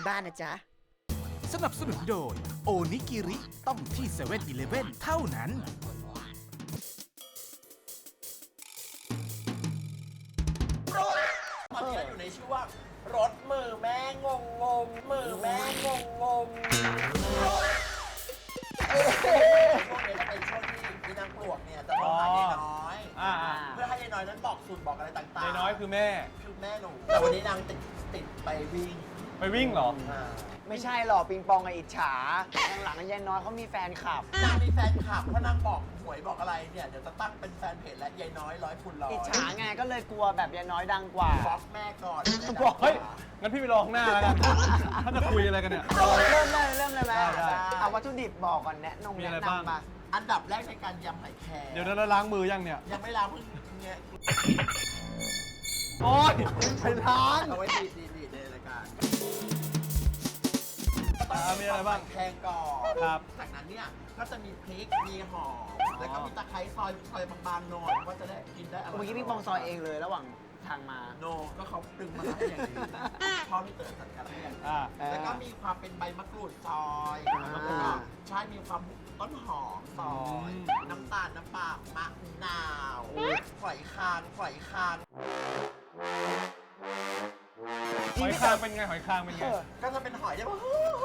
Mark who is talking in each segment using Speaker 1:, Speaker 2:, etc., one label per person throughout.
Speaker 1: บ้านนะจ๊ะ
Speaker 2: สนับสนุนโดยโอนิกิริต้องที่7 e เ e ่ e อเท่านั้น
Speaker 3: ตอนนี้เราอยู่ในช่วงรถมือแม่งงมือแม่งงช่วงนี้จะเป็นช่วงที่พี่นางปลวกเนี่ยจะโทรหายายน้อยเพื่อให้ยายน้อยนั้นบอกสูตรบอกอะไรต่างๆ
Speaker 4: ยายน้อยคือแม่
Speaker 3: หนูแต่วันนี้นางติดไปวิ่ง
Speaker 4: ไปวิ่งเหรอ
Speaker 1: ไม่ใช่หรอกปิงปองกับอิจฉาหลังๆยายน้อยเขามีแฟนคลับ
Speaker 3: นางมีแฟนคลับเพราะนางบอกหวยบอกอะไรเนี่ยเดี๋ยวจะตั้งเป็นแฟนเพจและยายน้อย100 คูณ 100
Speaker 1: อิจฉาไงก็เลยกลัวแบบยายน้อยดังกว่า
Speaker 3: บล็อกแม่ก่อน
Speaker 1: บอก
Speaker 4: เฮ้ย งั้นพี่ไปรอข้างหน้าแล้วกัน ถ้าจะคุยอะไรกันเนี่ย
Speaker 1: เริ่มเลยไหม
Speaker 4: ได้
Speaker 1: เอาวัตถุดิบบอกก่อน
Speaker 4: มีอะไร
Speaker 1: แนะ
Speaker 4: บ้าง
Speaker 1: นำมา
Speaker 3: อันดับแรกในการยำหอยแครง
Speaker 4: เดี๋ยวเราล้างมือยังเนี่ย
Speaker 3: ยังไม่ล้างเพิ่งเนี่ย
Speaker 4: โอ๊ย
Speaker 1: ไปร้าน
Speaker 3: เอาไว้ดีในรายการ
Speaker 4: มีอะไรบ้าง
Speaker 3: แครงก่อน
Speaker 4: ครับ
Speaker 3: จากนั้นเนี่ยก็จะมีพริกมีหอมแล้วก็มีตะไคร้ซอยบางๆหน่อยว่าจะได้กินได้อร่อย
Speaker 1: เมื่อกี้พี่ปองซอยเองเลยระหว่างทางมา
Speaker 3: โนก็เขาดึงมาให้อย่างนี้พ่อพี่เต๋อจัดการให้อย่างนี้ แล้วก็มีความเป็นใบมะกรูดซอยแล้วก็ใช่มีความต้นหอมซอย น้ำตาลน้ำปลามะนาวฝอยคาง
Speaker 4: หอยคางเป็นไง หอยคางเป็นไง
Speaker 3: ก็จะเป็นหอยได้ว่า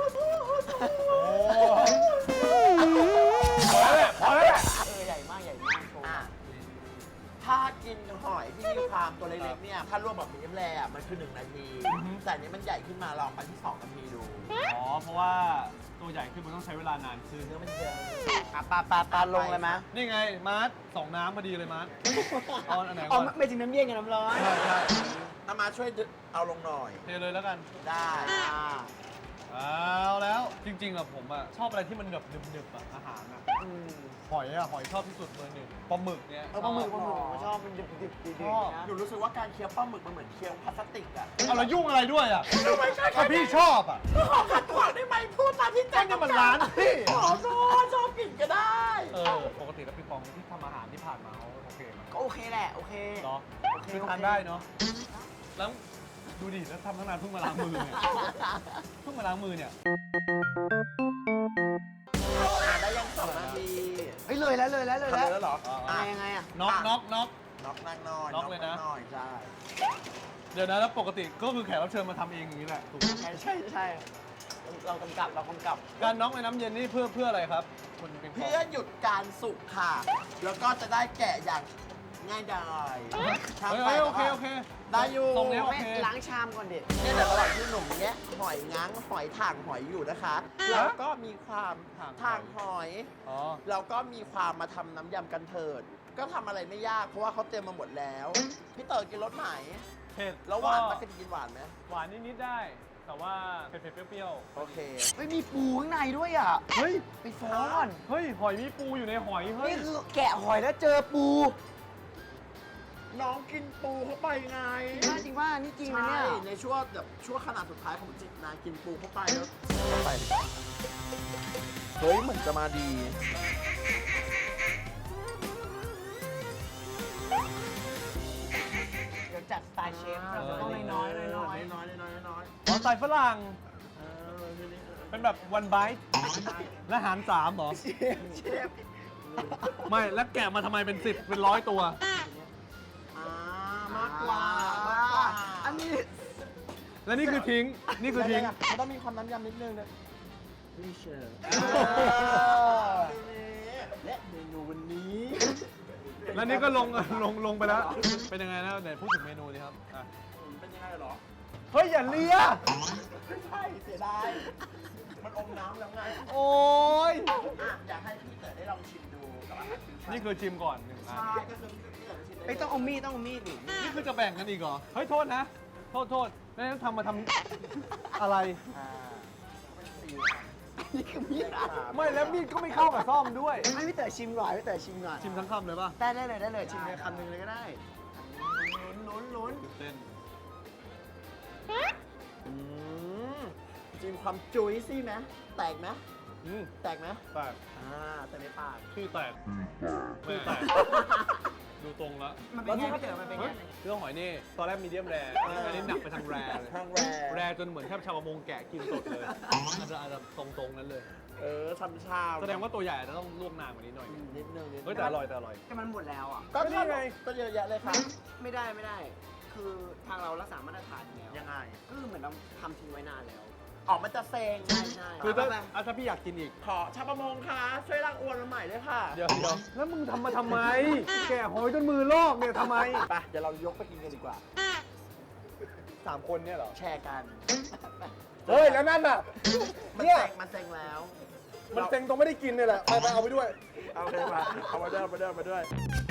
Speaker 4: พอแล้วแหละพอแล้วแหละ
Speaker 1: ใหญ่มากโชว์
Speaker 3: ถ้ากินหอยที่มีความตัวเล็กๆเนี่ยถ้าลวกแบบมีน้ำแร่มันคือ1 นาที แต่อันนี้มันใหญ่ขึ้นมาลองไปที่2 นาทีดู
Speaker 4: อ๋อ เพราะว่าตัวใหญ่ขึ้นมันต้องใช้เวลานานขึ้น
Speaker 3: เนื้อมันเยอะ
Speaker 1: ปลาลงเลยไหม
Speaker 4: นี่ไง มาร์ท2 น้ำพอดีเลยมาร์ทเอาอันไหน
Speaker 1: อ๋
Speaker 4: ก่
Speaker 1: อ
Speaker 4: อน
Speaker 1: ไม่ถึงน้ำเย็นกับน้ำร้อน
Speaker 4: ใช่ใช่
Speaker 3: เอามาช่วยเอาลงหน่อย
Speaker 4: เทเลยแล้วกัน
Speaker 3: ได้
Speaker 4: เอาแล้วจริงๆอะผมอะชอบอะไรที่มันแบบหนึบๆอะอาหารอะหอยชอบที่สุดเบอร์ 1ปลาหมึกเนี่ย
Speaker 1: ปลาหมึกผมชอบมันดิบดี
Speaker 4: ชอบ
Speaker 1: นะ
Speaker 3: หนูรู้สึกว่าการเคี้ยวปลาหมึกมันเหมือนเคี้ยวพลาสติกอะ
Speaker 4: เอาแล้วยุ่งอะไรด้วยอะ
Speaker 3: ไม่ใช่
Speaker 4: ถ้าพี่ชอบอะ
Speaker 3: ขอขัดขวางได้ไหมพูดตามที่ใจ
Speaker 4: นี่มันร้านพี่
Speaker 3: ขอโทษชอบกินก็ได้
Speaker 4: ปกติแล้วพี่ปองที่ทำอาหารที่ผ่านมาเขาโอเคไหม
Speaker 1: ก็โอเคแหละโอเค
Speaker 4: เนาะคือทานได้เนาะแล้วดูดิแล้วทำตั้งนานเพิ่งมาล้างมือเนี่ยเพิ่งมาล้างมือเนี่ย
Speaker 3: ได้ยัง2 นาที
Speaker 1: เฮ้ยเลยแล้ว
Speaker 3: ทำเลยแล้วเหรอ
Speaker 1: ยังไงอะ
Speaker 4: น็อก
Speaker 3: นอกนางน้อย
Speaker 4: น็อกเลยนะ
Speaker 3: น้อยใช่
Speaker 4: เดี๋ยวนะแล้วปกติก็คือแขกรับเชิญมาทำเองอย่างนี้แหละถูกไหม
Speaker 1: ใช่เรากำกับ
Speaker 4: การน็อกในน้ำเย็นนี่เพื่ออะไรครับคุณปิงปอง
Speaker 3: เพื่อหยุดการสุกค่ะ แล้วก็จะได้แกะอย่างง่ายดาย
Speaker 4: เฮ้ยโอเค
Speaker 3: ได้อยู่
Speaker 4: ตรงนี้โอเค
Speaker 1: ล้างชามก่อนดิ
Speaker 3: เนี่ยแต่ระหว่างที่หนุ่มเนี้ยหอยง้างหอยถ่างหอยอยู่นะคะแล้วก็มีความถ่างหอย
Speaker 4: อ๋อ
Speaker 3: เราก็มีความมาทำน้ำยำกันเถิด ก็ทำอะไรไม่ยากเพราะว่าเขาเตรียมมาหมดแล้ว พี่เต๋อกินรสไหน
Speaker 4: เผ็ด
Speaker 3: แล้วหวานปะเคยกินหวานไหม
Speaker 4: หวานนิดๆได้ แต่ว่าเผ็ดๆเปรี้ยว
Speaker 3: โอเค
Speaker 1: ไม่มีปูข้างในด้วยอ่ะ
Speaker 4: ๆเฮ้ย
Speaker 1: ไปฟ้อน
Speaker 4: เฮ้ยหอยมีปูอยู่ในหอยเฮ้ย
Speaker 1: นี่คือแกะหอยแล้วเจอปู
Speaker 3: น้องกินปูเข้าไปไง
Speaker 1: จริงว่านี่จริงนะ
Speaker 3: ใช่
Speaker 1: เนี่ย
Speaker 3: ในช่วงแบบช่วงขนาดสุดท้ายของจิตนากินปูเข้าไปแล้วเฮ้ยเหมือนจะมาดี
Speaker 1: เดี๋ยวจัดสไตล์เชฟเราจะต้องน้อยๆ
Speaker 3: น้อย
Speaker 4: อ๋อใส่ฝรั่ง
Speaker 3: เออนี่
Speaker 4: เป็นแบบวันไบต์และหาร3เหรอ
Speaker 3: เชฟ
Speaker 4: ไม่แล้วแกะมาทำไมเป็น10เป็น100ตัว
Speaker 3: มากกว่า
Speaker 1: อันนี้
Speaker 4: และนี่คือทิ้ง นี่คือทิ้ง
Speaker 3: มันต้องมีความน้ำยำนิดนึงนะรีเชอร์และเมนูวันนี้
Speaker 4: แล้วนี่ก็ลงไปแล้ว เป็นยังไงนะไหนพูดถึงเมนูดิครับอ่ะ
Speaker 3: เป็นยังไงเหรอ
Speaker 4: เฮ้ยอย่าเลีย
Speaker 3: ไม่ใช่เสียดายมันอมน้ำแล้วไง
Speaker 4: โอ้ย
Speaker 3: อยากให้พี่เต๋อได้ลองชิมดูกับอาหารพื้นบ้าน
Speaker 4: นี่คือชิมก่อน1 อัน
Speaker 3: ใช่ก็คือพี่เต๋อชิมได้
Speaker 1: ไม่ต้องเอามีดดิ
Speaker 4: นี่คือจะแบ่งกันอีกเหรอ เฮ้ยโทษนะ โทษแล้วทำมาทำอะไร
Speaker 1: นี่คือมีด
Speaker 4: ไม่แล้วมีดก็ไม่เข้ากับซ่อมด้วย
Speaker 1: ให้พี่เต๋อชิมหน่อยพี่เต๋อชิมหน่อย
Speaker 4: ชิมทั้งคำเลยป่ะ
Speaker 1: ได้เลยชิมเลยคำหนึ่งเลยก็ได้ลุ้น
Speaker 4: ตื่นเต้น
Speaker 3: ชิมความจุ้ยซี่ไหมแตกไหม
Speaker 4: อืม
Speaker 3: แตกไหม
Speaker 4: แตก
Speaker 3: แต่ในปาก
Speaker 4: คือแตกคือแตกดูตรงแล้ว
Speaker 1: มันเป็นไงพี่เต๋อมันเป็นไง
Speaker 4: เรื่องหอยนี่ตอนแรกมีเดียมแรร์อันนี้หนักไปทางแรร์เลย
Speaker 3: ทางแร
Speaker 4: แรร์จนเหมือนแทบชาวประมงแกะกินสดเลยอาจจะตรงๆนั้นเลย
Speaker 3: ช้ำชา
Speaker 4: แสดงว่าตัวใหญ่จะต้องลวกนานกว่านี้หน่อย
Speaker 3: นิดนึง
Speaker 4: เฮ้ยแต่อร่อยแต่อร่อย
Speaker 1: แต่มันหมดแล้วอ่ะ
Speaker 3: ก็นี่ไงก็เยอะแยะเลยค่ะ
Speaker 1: ไม่ได้ คือทางเรารักษามาตรฐานอยู่แล้ว
Speaker 3: ยังไง
Speaker 1: ก็คือเหมือนเราทำทิ้งไว้นานแล้ว
Speaker 3: ออกมันจะเซ็ง
Speaker 1: ใช่
Speaker 4: คือถ้าพี่อยากกินอีก
Speaker 3: ขอชาวประมงคะช่วยล้างอวนมาใหม่ด้วยค่ะ
Speaker 4: เดี๋ยวแล้วมึงทำมาทำไม แกะหอยจนมือลอกเนี่ยทำไม
Speaker 3: ไปเดี๋ยวเรายกไปกินกันดีกว่า
Speaker 4: 3 คนเนี่ยเหรอ
Speaker 3: แชร์กัน
Speaker 4: เฮ้ย แล้วนั่นน่ะ
Speaker 3: มันเซ็งแล้ว
Speaker 4: มันเซ็งตรงไม่ได้กินเนี่ยแหละ ไปเอาไปด้วย
Speaker 3: เอาเลยมาเอามาด้วยมาด้วย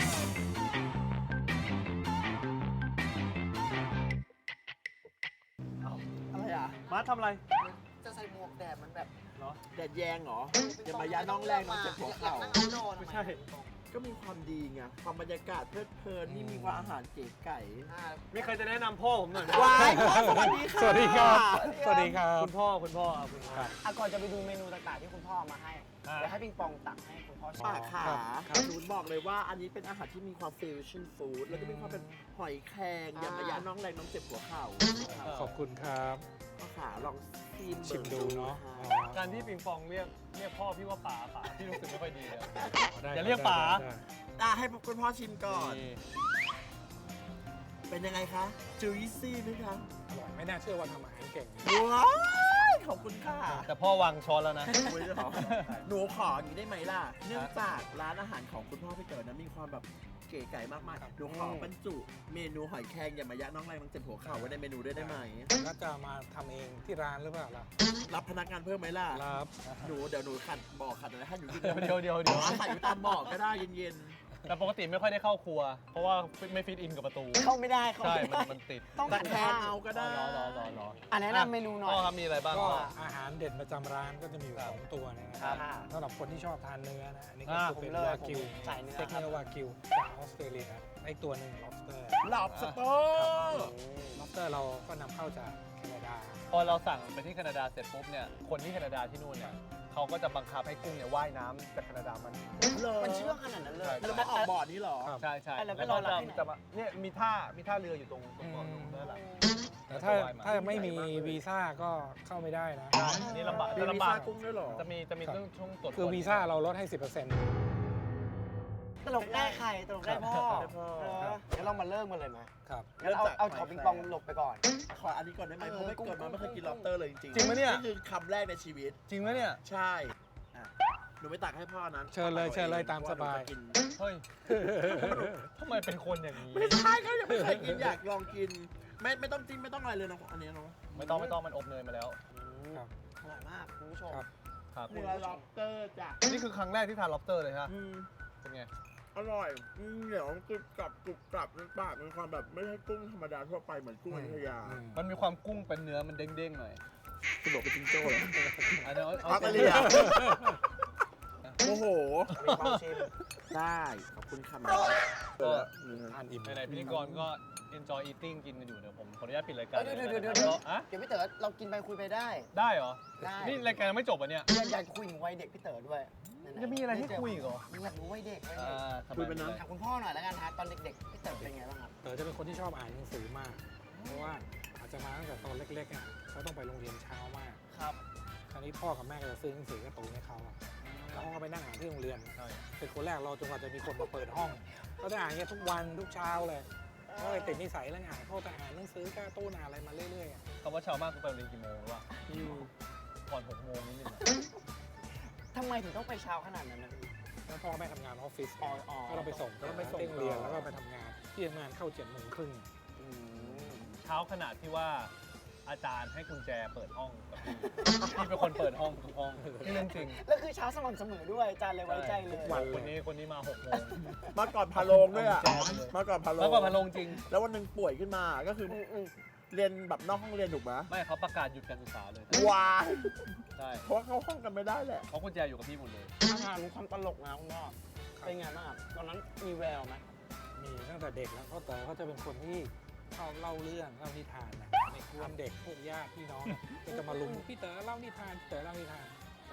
Speaker 3: อะไรอ่ะ
Speaker 4: มาทำอะไร
Speaker 1: จะใส่หมวกแดดมันแบบ
Speaker 4: เหรอ
Speaker 3: แดดแยงเหรออย่ามาย้าน้องแรงน้องเจ็บหัวเข่า
Speaker 4: ไม่ใช่
Speaker 3: ก็มีความดีไง ความบรรยากาศเพลิดเพลินนี่มีความอาหารเก๋ไก่
Speaker 4: มีใครจะแนะนำพ่อผมหน่อยไหม
Speaker 3: วายพ่อสวัสดีค่ะ
Speaker 5: สวัสดีครับ สวัสดีครับ
Speaker 4: คุณพ่อคุณพ่อครับคุณพ่อ
Speaker 1: ก่อนจะไปดูเมนูต่างๆที่คุณพ่อเอามาให้
Speaker 4: อ่า
Speaker 1: เดี๋ยวให้ปิงปองตักให้คุณพ่อชิม
Speaker 3: ป้าขา
Speaker 5: ครับ
Speaker 3: หนูบอกเลยว่าอันนี้เป็นอาหารที่มีความฟิวชั่นฟู้ดแล้วก็มีความเป็นหอยแครงอย่ามาย้าน้องแรงน้องเจ็บหัวเข่า
Speaker 5: ขอบคุณครับ
Speaker 3: ป้าขาลองชิม
Speaker 5: ชิมดูเนาะ
Speaker 4: การที่ปิงปองเรียกพ่อพี่ว่าป๋าพี่รู้สึกไม่ค่อยดีเลย
Speaker 5: ได้
Speaker 4: อย่าเรียกป๋า
Speaker 5: ได้
Speaker 3: ให้คุณพ่อชิมก่อน
Speaker 4: นี่
Speaker 3: เป็นยังไงคะจูยซี่ไหมคะ
Speaker 5: อร่อยไม่น่าเชื่อว่าทำอาหารเก่ง
Speaker 3: ว้ายขอบคุณค่ะ
Speaker 4: แต่พ่อวางช้อนแล้วนะ
Speaker 3: อุ๊ยเหรอหนูขออย่างนี้ได้ไหมล่ะ เนื่องจากร้านอาหารของคุณพ่อพี่เต๋อนะมีความแบบเก๋ไก่มากๆหนูขอบรรจุเมนูหอยแครงอย่ามายัดน้องแรงน้องเจ็บหัวเข่าไว้ในเมนูด้วยได้ไหม
Speaker 5: แล้วจะมาทำเองที่ร้านหรือเปล่าล่ะ
Speaker 3: รับพนักงานเพิ่มไหมล่ะ
Speaker 5: รับ
Speaker 3: หนูเดี๋ยวหนูขัดบอกขัดอะไรให้หนูกิน
Speaker 4: เดี๋ยว
Speaker 3: ขัดอยู่ตามบอกก็ได้เย็น
Speaker 4: แต่ปกติไม่ค่อยได้เข้าครัว เพราะว่าไม่ฟิตอินกับประตู
Speaker 1: เข้าไม่ได้เข้า
Speaker 4: ใช่
Speaker 1: ไม่ได้
Speaker 4: มันติด
Speaker 1: ต้อง
Speaker 3: ๆแต่
Speaker 1: หัน
Speaker 3: แท
Speaker 1: ข้าน ง
Speaker 3: เอาก็ได้
Speaker 4: รอ
Speaker 1: อ่ะแนะนำเมนูหน่อย
Speaker 4: พ่อครับมีอะไรบ้าง
Speaker 5: ก็
Speaker 4: พ่อ
Speaker 5: อาหารเด่นประจำร้านก็จะมีอยู่
Speaker 4: ครับ
Speaker 5: สองตัวนะค
Speaker 1: ครั
Speaker 5: รับบ สำหรับคนที่ชอบทานเนื้อนะอันนี้ก็
Speaker 4: อ่า
Speaker 5: คือเป็น
Speaker 1: ผมเลย
Speaker 5: วากิว
Speaker 1: ผมสายเนื้อ
Speaker 5: สเต็ก
Speaker 1: ครับ
Speaker 5: เนื้อวากิวจากออสเตรเลียไอตัวหนึ่ง lobster
Speaker 3: หลับสเตอร์
Speaker 5: lobster เราก็นำเข้าจากแคนาดา
Speaker 4: พอเราสั่งไปที่แคนาดาเสร็จปุ๊บเนี่ยคนที่แคนาดาที่นู่นเนี่ยเขาก็จะบังคับให้กุ้งเนี่ยว่ายน้ำจากแคนาดามัน
Speaker 1: มันเชื่องขนาดนั้นเลย
Speaker 3: แล้วมาออกบอร์ดนี้เหรอ
Speaker 5: ครับ
Speaker 4: ใช่
Speaker 1: แล้วไป
Speaker 4: แล้ว
Speaker 1: ร
Speaker 4: ก็
Speaker 1: อรับที่ไหน
Speaker 4: จะมาเนี่ยมีท่าเรืออยู่ตรงเกาะนั่นแหละ
Speaker 5: แต่ถ้าไม่มีวีซ่าก็เข้าไม่ได้นะ
Speaker 4: นี่ลำบาก
Speaker 3: มี
Speaker 4: จะ
Speaker 3: วี
Speaker 4: ลำบา
Speaker 3: ซ่าก กุ้งด้วยเหรอ
Speaker 4: จะมี
Speaker 5: ครับ
Speaker 4: เรื่องช่วงตรวจ
Speaker 5: คือวีซ่าเราลดให้ 10%
Speaker 1: ตลกได้ใครตลกได้พ่อ
Speaker 3: ได้พ่อ
Speaker 1: งั้นเรามาเริ่มกันเลยไหม
Speaker 5: ครับ
Speaker 1: งั้นเอาขอปิงปองหลบไปก่อน
Speaker 3: ขออันนี้ก่อนได้ไหมเพราะไม่เกิดมาไม่เคยกิน lobster เลยจริงๆ
Speaker 4: จริงไหมเนี่ย
Speaker 3: นี่คือคำแรกในชีวิต
Speaker 4: จริงไหมเนี่ย
Speaker 3: ใช่อ่ะหนูไปตักให้พ่อนั้น
Speaker 5: เชิญเลยตามสบาย
Speaker 3: เพระหนูจะกิน
Speaker 4: เฮ้ยทำไมเป็นคนอย่างนี้
Speaker 3: ไม่ใช่เขายังไม่เคยกินอยากลองกิน ไม่ต้องจิ้มไม่ต้องอะไรเลยนะอันนี้เนาะ
Speaker 4: ไม่ต้องมันอบเนยมาแล้ว
Speaker 5: ครับ
Speaker 1: อร่อยมากคุณผู้ชม
Speaker 5: ครับ
Speaker 4: ครับ
Speaker 3: เนื้อ lobster จ้ะ
Speaker 4: นี่คือครั้งแรกที่ทาน lobster เลยฮะ
Speaker 3: อืม
Speaker 4: เป็นไง
Speaker 3: อร่อยเหนียวกรุบกรับในปากมีความแบบไม่ใช่กุ้งธรรมดาทั่วไปเหมือนกุ้งอยุธยา
Speaker 5: อืม
Speaker 4: มันมีความกุ้งเป็นเนื้อมันเด้งๆหน่อย
Speaker 3: คุณบอกเป็นจิงโจ้เหรอ
Speaker 4: อันนี้
Speaker 3: ออสเตรเลีย โอ้โห
Speaker 1: มีความชิม
Speaker 3: ได้ขอบคุณค่ะ
Speaker 4: ก็
Speaker 5: ทานอิ่ม
Speaker 4: ไหนๆพิธีกรก็ enjoy eating กินกันอยู่เดี๋ยวผมขออนุญาตปิดรายการ
Speaker 1: เดี๋ยว
Speaker 4: ลนะ อะ
Speaker 1: เดี๋ยวพี่เต๋อเรากินไปคุยไปได้
Speaker 4: ได้เหรอ
Speaker 1: ได้
Speaker 4: นี่รายการยังไม่จบอ่ะเนี่ย
Speaker 1: อยากคุยถึงวัยเด็กพี่เต๋อด้วยไหนๆ
Speaker 4: จะมีอะไรให้คุยอีกเหรอ
Speaker 1: อยากรู้วัยเด็ก
Speaker 4: ทำไม
Speaker 3: คุยไปนะ
Speaker 1: ถามคุณพ่อหน่อยแล้วกันฮะตอนเด็กๆพี่เต๋อเป็นไงบ้างครับ
Speaker 5: เต๋อจะเป็นคนที่ชอบอ่านหนังสือมาก เพราะว่าอาจจะมาตั้งแต่ตอนเล็กๆอ่ะเขาต้องไปโรงเรียนเช้ามาก
Speaker 1: ครับ
Speaker 5: คราวนี้พ่อกับแม่ก็จะซื้อหนังสือการ์ตูนให้เขาอะแล้วเขาก็ไปนั่งอ่านที่โรงเรียน
Speaker 4: ใช่
Speaker 5: เป็นคนแรกรอจนกว่าจะมีคนมาเปิดห้อง ก็จะอ่านอย่างเงี้ยทุกวันทุกเช้าเลยก็เลยติดนิสัยเรื่องอ่านพ่อจะอ่านหนังสือการ์ตูนอ่านอะไรมาเรื่อยๆอะ
Speaker 4: คำว่าเช้ามากคือไปโรงเรียนกี่โมงหรือเปล่าก่อน6 โมงนิดนึงอะ
Speaker 1: ทำไมถึงต้องไปเช้าขนาดนั้นนะพี่
Speaker 5: แล้วพ่อแม่ทำงานออฟฟิศ
Speaker 1: อ๋อ
Speaker 5: ก็เราไปส่งก็ไปส่งที่โรงเรียนแล้วก็ไปทำงานที่ทำงานเข้า7:30
Speaker 1: อืม
Speaker 4: เช้าขนาดที่ว่าอาจารย์ให้กุญแจเปิดห้องกับพี่พี่เป็นคนเปิดห้องทุกห้องนี่เรื่องจริง
Speaker 1: แล้วคือเช้าสม่ำเสมอด้วยอาจารย์เลยไว้ใจเลย
Speaker 4: คนนี้มา6 โมง
Speaker 3: มาก่อนพาโลงด้วยอ่ะ มาก่อนพาโลง
Speaker 4: แล้วก็มาลงจริง
Speaker 3: แล้ววันหนึ่งป่วยขึ้นมาก็คือ
Speaker 1: อืม
Speaker 3: เรียนแบบนอกห้องเรียนถูกไหม
Speaker 4: ไม่เขาประกาศหยุดการศึกษาเลย
Speaker 3: วาย
Speaker 4: ใช่
Speaker 3: เพราะว่าเข้าห้องกันไม่ได้แหละ
Speaker 4: เขากุญแจอยู่กับพี่หมดเลย
Speaker 1: อาหารความตลกนะคุณพ่อเป็นไงบ้างครับตอนนั้นมีแววไหม
Speaker 5: มีตั้งแต่เด็กแล้วเพราะเต๋อเขาจะเป็นคนที่ชอบเล่าเรื่องเล่านิทานนะในกวนเด็กพวกญาติพี่น้องก็จะมาลุมพี่เต๋อเล่านิทานพี่เต๋อเล่านิทานเต๋อ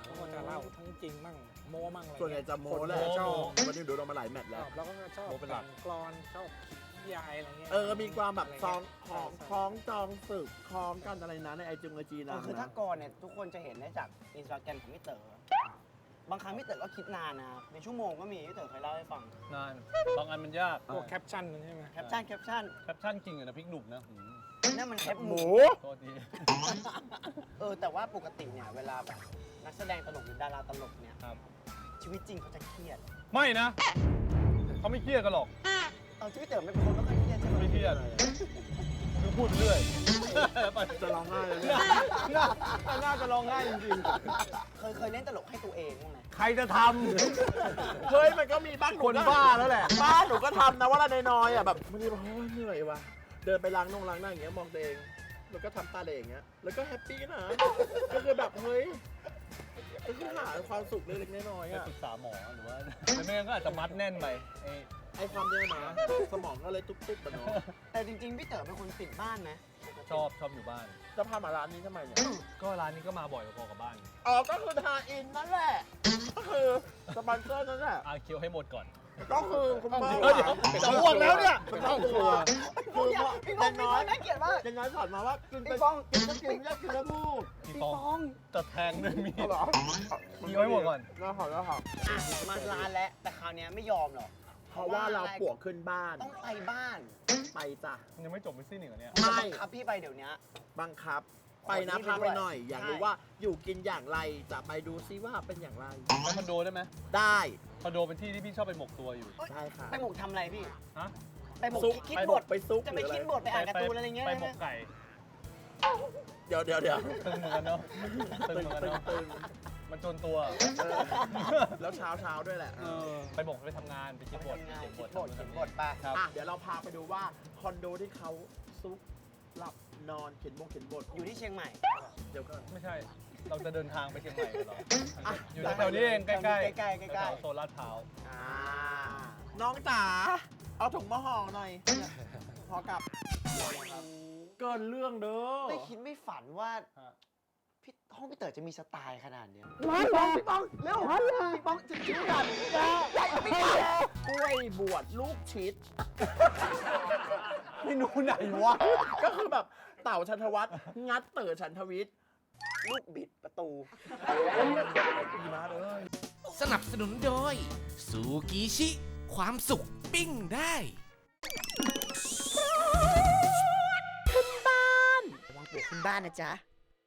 Speaker 5: เขาก็จะเล่าทั้งจริงมั่งโม้มั่งอะไร
Speaker 3: ส่วนใหญ่จะโม้แหละ
Speaker 5: คนชอบ
Speaker 3: วันนี้ดูเรามาหลายแมตช์
Speaker 5: ช
Speaker 3: แล้ว
Speaker 5: อบแล้วก็ชอบ
Speaker 4: โม้เป็นหลัก
Speaker 5: แต่งกลอนชอบยายอะไรเงี้ย
Speaker 3: มีความแบบซอง
Speaker 5: ใช่
Speaker 3: คล้องจองศึกคล้องกันอะไรนะในไอจีนะ
Speaker 1: คือถ้าก่อนเนี่ยทุกคนจะเห็นได้จากอินสตาแกรมของพี่เต๋อบางครั้งพี่เต๋อก็คิดนานนะเป็นชั่วโมงก็มีพี่เต๋อเคยเล่าให้ฟัง
Speaker 4: นานบางอันมันยาก
Speaker 5: พวกแคปชั่นใช่ไหม
Speaker 1: แคปชั่น
Speaker 4: แคปชั่นจริงอะนะพริกหนุ่มนะหืม
Speaker 1: นั่นมันแคปหมู
Speaker 4: โทษที
Speaker 1: แต่ว่าปกติเนี่ยเวลาแบบนักแสดงตลกหรือดาราตลกเนี่ย
Speaker 4: ครับ
Speaker 1: ชีวิตจริงเขาจะเครียด
Speaker 4: ไม่นะเขาไม่เครียดกันหรอก
Speaker 1: เอาชีวิตเต๋อไม่เป็นคนไม่ค่อยเครียดใช่ไหม
Speaker 4: ไม่เครียดคือพูดเรื่อย
Speaker 3: จะร้องไห้เลยเนี่ย
Speaker 4: น่าจะร้องไห้จริง
Speaker 1: เคยเล่นตลกให้ตัวเองบ้างไหม
Speaker 4: ๆใครจะท
Speaker 3: เฮ้ยมันก็มีบ้าง
Speaker 4: ำคนบ้าแล้วแหละ
Speaker 3: บ้านหนูก็ทำนะว่าละน้อยๆอ่ะแบบมันจะแบบเหนื่อยว่ะเดินไปล้างหน้าอย่างเงี้ยมองตัวเองแล้วก็ทำตาเหล่อย่างเงี้ยแล้วก็แฮปปี้นะก็คือแบบเฮ้ยก็คือหาความสุขเล็กๆน้อยๆ
Speaker 4: ไป
Speaker 3: อ่ะ
Speaker 4: ปรึกษาหมอหรือว่าแต่ไม่งั้นก็อาจจะมัดแน่นไปไอ้
Speaker 3: ไอความเนี้ยนะสมองก็เลยตุ๊บๆไปเนาะ
Speaker 1: แต่จริงๆพี่เต๋อเป็นคนติดบ้านไหม
Speaker 4: ชอบอยู่บ้าน
Speaker 3: จะพามาร้านนี้ทำไมเนี่ย
Speaker 4: ก็ร้านนี้ก็มาบ่อยพอๆกับบ้าน
Speaker 3: อ๋อก็คือทาอินนั่นแหละก็คือสปอนเซอร์นั่นแหละ
Speaker 4: อาเคียวให้หมดก่อน
Speaker 3: ก็คือคุณพ่อ
Speaker 4: เดี๋ยวจะอ้วกแล้วเนี่ย
Speaker 3: คุณพ่อครัวคือ
Speaker 1: พี่
Speaker 3: พ่
Speaker 1: ป้
Speaker 3: อ
Speaker 1: อง
Speaker 3: น้อย
Speaker 1: น่าเกลียดมาก
Speaker 3: ยังน้อยสอนมาว่ากินไป
Speaker 1: พี่ป้อง
Speaker 3: กินก็กินอยากกินแล้วพูด
Speaker 4: พี่ฟองจะแทงด้วยมีด
Speaker 3: เหรอ
Speaker 4: เคี้ยวให้หมดก่อน
Speaker 3: แล้วขอแล้วขอ
Speaker 1: อ่ะมาร้านแล้วแต่คราวเนี้ยไม่ยอมหรอก
Speaker 3: เพราะว่าเราปวกขึ้นบ้าน
Speaker 1: ต้องไปบ้าน
Speaker 3: ไปจ้ะ
Speaker 4: มันยังไม่จบไม่สิ้นอีกเหรอเนี่ย
Speaker 3: ไม่
Speaker 1: บังคับพี่ไปเดี๋ยวนี้
Speaker 3: บังคับ ไปนะ
Speaker 1: ขอที่
Speaker 3: พา
Speaker 1: ไป
Speaker 3: ไป
Speaker 1: ด้วย
Speaker 3: หน่อย อยากรู้
Speaker 1: ใช่
Speaker 3: ว่าอยู่กินอย่างไรจะไปดูซิว่าเป็นอย่างไร
Speaker 4: ไปคอนโดได้ไหม
Speaker 3: ได้
Speaker 4: คอนโดเป็นที่ที่พี่ชอบไปหมกตัวอยู่
Speaker 3: ได้ค่ะ
Speaker 1: ไปหมกทำอะไรพี่
Speaker 4: ฮะ
Speaker 1: ไปหมก
Speaker 3: ซุป
Speaker 1: คิด
Speaker 3: ไป
Speaker 1: บ
Speaker 3: หม
Speaker 1: ท
Speaker 3: กไปซุป
Speaker 1: จะไป
Speaker 3: หรือ
Speaker 1: คิดบทไปอ่านการ์ตูนอะไรเงี้ย
Speaker 4: ไปหมกไก่
Speaker 3: เดี๋ยว
Speaker 4: ตึงเหมือนกันเนาะตึงเหมือนกันเนาะ
Speaker 3: ตึง
Speaker 4: มันจนตัว
Speaker 3: แล้วเช้าด้วยแหละ
Speaker 4: ไปหมกไปทำงานไปคิดบท
Speaker 1: ทำงาน
Speaker 4: เขียนบ
Speaker 1: คิ
Speaker 4: ท
Speaker 1: ดบทเขียนบทไป
Speaker 4: ครับ
Speaker 3: อ่ะเดี๋ยวเราพาไปดูว่าคอนโดที่เขาซุกหลับนอนเขียนบท
Speaker 1: อยู่ที่เชียงใหม่
Speaker 3: เดี๋ยวก่อน
Speaker 4: ไม่ใช่ เราจะเดินทางไปเชียงใหม่กันเหรอ
Speaker 3: อ่ะ
Speaker 4: อยู่แถวๆนี้เองใกล้ๆ
Speaker 1: ใกล้ๆ
Speaker 4: แถวๆโซนลาดพร้าว
Speaker 1: อ่า
Speaker 3: น้องจ๋าเอาถุงมาห่อหน่อยพอกลับเกินเรื่องเด้อ
Speaker 1: ไม่คิดไม่ฝันว่า
Speaker 4: ฮะ
Speaker 1: ห้องพี่เต๋อจะมีสไตล์ขนาดเนี้ยพี่ป้องเร็วพี่ป้องจะคิ้วกันพี่ป้อง
Speaker 3: กล้วยบวชลูกชิด
Speaker 1: เมนูไหนวะ
Speaker 3: ก็คือแบบเต่าชันทวัฒน์งัดเต๋อชันทวิทย์
Speaker 1: ลูกบิดประตู
Speaker 3: ดีมากเลย
Speaker 2: สนับสนุนโดยซูกิชิ ความสุขปิ้งได้
Speaker 1: ระวังปวกขึ้นบ้านนะจ๊ะ